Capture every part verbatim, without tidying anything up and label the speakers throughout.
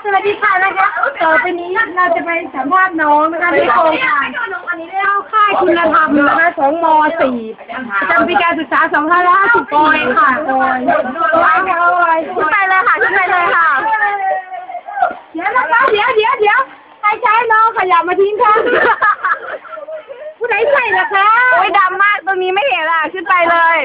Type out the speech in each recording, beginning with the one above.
Speaker 1: สวัสดีค่ะนะคะต่อไปนี้เราจะไปสัมภาษณ์น้องนะคะที่โครงการเข้าค่ายคุณธรรมนะคะของม สี่ประจำปีการศึกษา สองพันห้าร้อยห้าสิบ ปอยค่ะปอยปอยขึ้นไปเลยค่ะขึ้นไปเลยค่ะเดี๋ยวนะคะเดี๋ยวเดี๋ยวเดี๋ยวใครใช้น้องขยับมาทิ้งค่ะผู้ใดใส่ล่ะคะโอ้ยดำมากตรงนี้ไม่เห็นอ่ะขึ้นไปเลย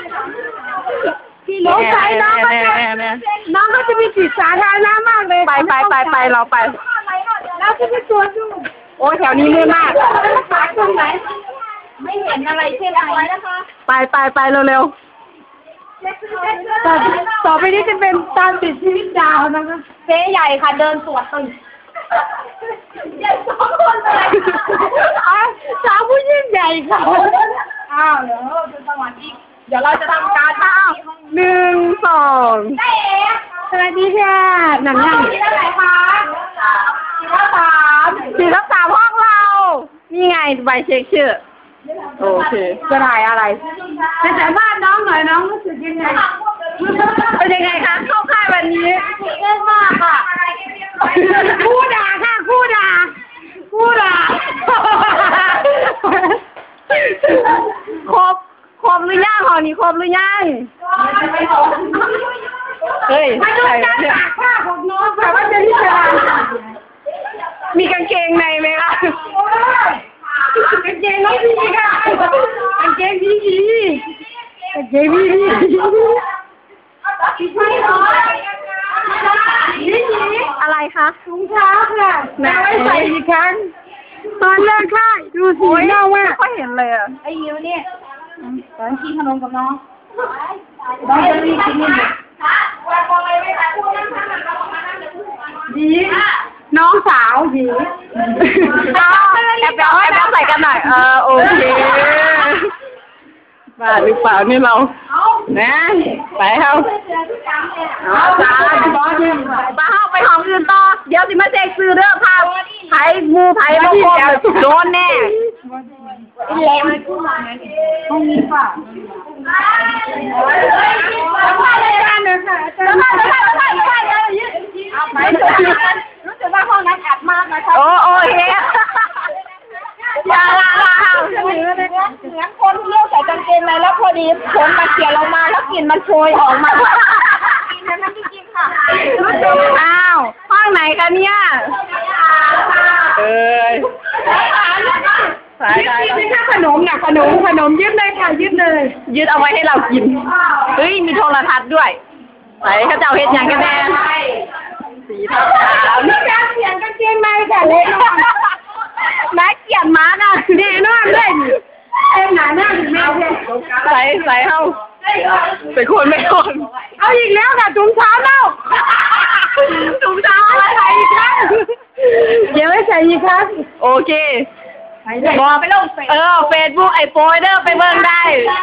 Speaker 1: น้องใช้น้องก็จะน้องก็จะมีจิตสาธารณะมากเลยไปไปไปไปเราไปเราจะไปตรวจดูโอ้แถวนี้มืดมากตรงไหนไม่เห็นอะไรใช่ไหมนะคะไปไปไปเร็วๆต่อต่อไปนี้จะเป็นตามติดชีวิตดาวนะคะเจ๊ใหญ่ค่ะเดินตรวจตึงใหญ่สองคนเลยสาวผู้ยิ่งใหญ่ค่ะอ้าวเดี๋ยวจะสวัสดีเดี๋ยวเราจะทำการอ้าวหนึ่งสองสวัสดีค่ะหนังยังสี่ทับสามสี่ทับสามสี่ทับสามห้องเรานี่ไงใบเช็คชื่อโอเคจะถ่ายอะไรจะสัมภาษณ์น้องหน่อยน้องรู้สึกยังไงเป็นยังไงคะเข้าค่ายวันนี้เล่นมากค่ะคู่ด่าค่ะคู่ด่าคู่ด่าครบครบหรือยังหอนี้ครบหรือยังเฮ้ยใส่เนี่ยผ้าของน้องแต่ว่าจะที่จะมีกางเกงในไหมคะกางเกงน้องพี่ค่ะกางเกงพี่พี่กางเกงพี่พี่อะไรคะถุงเท้าค่ะแม่ไว้ใส่อีกครั้งตอนเลิกค่ายดูสีเน่าว่าก็เห็นเลยอ่ะไอ้ยิวเนี่ยตอนกินขนมกับน้องน้องจะรีบกินนี่ดีน้องสาวดีแอบแอบแอบใส่กันหน่อยเออโอเคมาหรือเปล่านี่เรานะไปเข้าเอาจ้าบอสเนี่ยไปเข้าไปห้องอื่นต่อเดี๋ยวสิมาเซ็กซื้อเด้อพาไผ่งูไผ่มาโคมโดนแน่แหลมห้องนี้ป่ะแล้วมาเลยกันเลยค่ะแล้วมาแล้วมาแล้วมาแล้วมาแล้วยืดเอาไปรู้สึกว่าห้องนั้นอัดมากนะคะโอ้โอเคอย่าละละเหมือนเหมือนคนเที่ยวใส่กางเกงในแล้วพอดีฝนมาเกี่ยวลงมาแล้วกลิ่นมันโชยออกมากินนั้นไม่กินค่ะอ้าวห้องไหนคะเนี่ยเอ้ยสายได้ไม่ใช่ขนมนะขนมขนมยึดเลยค่ะยึดเลยยึดเอาไว้ให้เรากินเฮ้ยมีโทรทัศน์ด้วยไหนข้าเจ้าเฮ็ดยังกันแน่สีทับขาวนี่การเปลี่ยนกางเกงในค่ะเล่นแม่เกียนม้าน่ะแน่นอนเลยเอ็มหนาหน้าถึงแม่เลยใส่ใส่เข้าเป็นคนไม่คนเอาอีกแล้วค่ะถุงเท้าเล่าถุงเท้าใส่อีกครั้งเดี๋ยวไม่ใส่อีกครั้งโอเคบอกไปลงเออเฟซบุ๊กไอ้โปรเดอร์ไปเบิ่งได้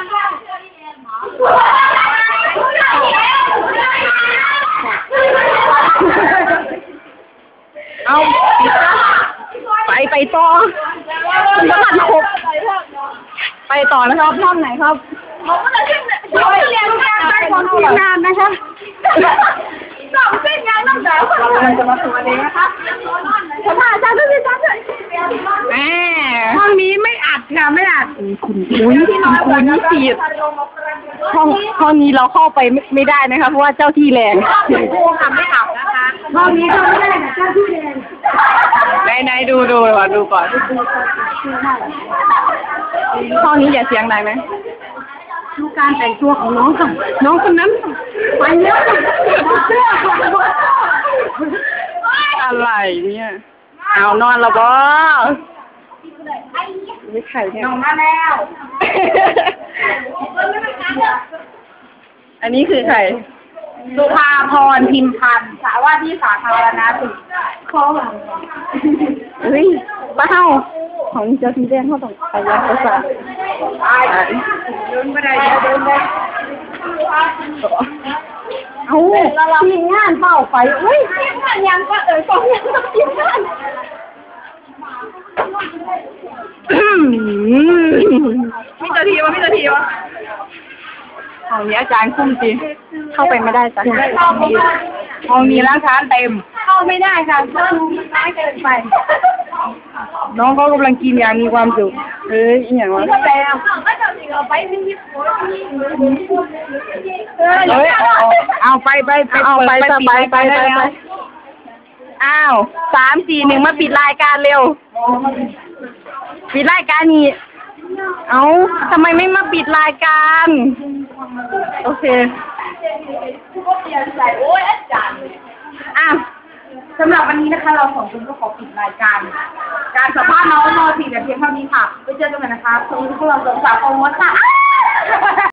Speaker 1: เอาไปไปต่อคุณต้องมันครบไปต่อนะครับห้องไหนครับห้องเรียนการได้ของทีมงานนะคะสองเส้นงานต้องแบบเราจะมาสวัสดีนะคะสภาอาจารย์ทุกท่านเลยแหมห้องนี้ไม่อัดค่ะไม่อัดคุณคุณคุณนี่สีห้องห้องนี้เราเข้าไปไม่ได้นะคะเพราะว่าเจ้าที่แรงครูค่ะไม่อัดนะคะห้องนี้เข้าไม่ได้ค่ะเจ้าที่แรงไหนไหนดูดูก่อนดูก่อนห้องนี้อย่าเสียงดังไหมดูการแต่งตัวของน้องค่ะน้องคนนั้นไปเยอะเสื้ออะไรเนี่ยเอานอนแล้วบอไม่ไข่เนี่ยนอนมาแล้วอันนี้คือใครสุภาพรพิมพันธ์สาว่าที่สาธารณสุขข้อหลังเฮ้ยบ้าเฮาของเจ้าที่แดงเขาต้องไปยัดประสาทเดินไปได้เดินไปเอาทีมงานเฝ้าไฟเฮ้ยทีมงานยังก็เอ๋ยต้องยังต้องทีมงานไม่เจอทีวะไม่เจอทีวะห้องนี้อาจารย์คุ้มจริงเข้าไปไม่ได้จ้ะห้องนี้ร้านค้าเต็มเข้าไม่ได้ค่ะเริ่มน้อยเกินไป
Speaker 2: น้องเขากำลังกินอย่างมีความสุขเอ้ยอีหยังวะ
Speaker 1: ก็แล้วก็จะมีเอาไปไม่ยิบเออ
Speaker 2: เอ้ยเอาเอาไปไปไป
Speaker 1: เอาไป
Speaker 2: ปิด
Speaker 1: ไปไป
Speaker 2: ได้
Speaker 1: ไป
Speaker 2: แล้ว
Speaker 1: อ้าวสามสี่หนึ่งมาปิดรายการเร็วปิดรายการนี้เอ้าทำไมไม่มาปิดรายการโอเคอ่ะสำหรับวันนี้นะคะ เราสองคนก็ขอปิดรายการ การสัมภาษณ์น้องมอสี่แต่เพียงเท่านี้ค่ะไปเจอกันใหม่นะคะคุณพวกเราสองสาวโปรโมทค่ะ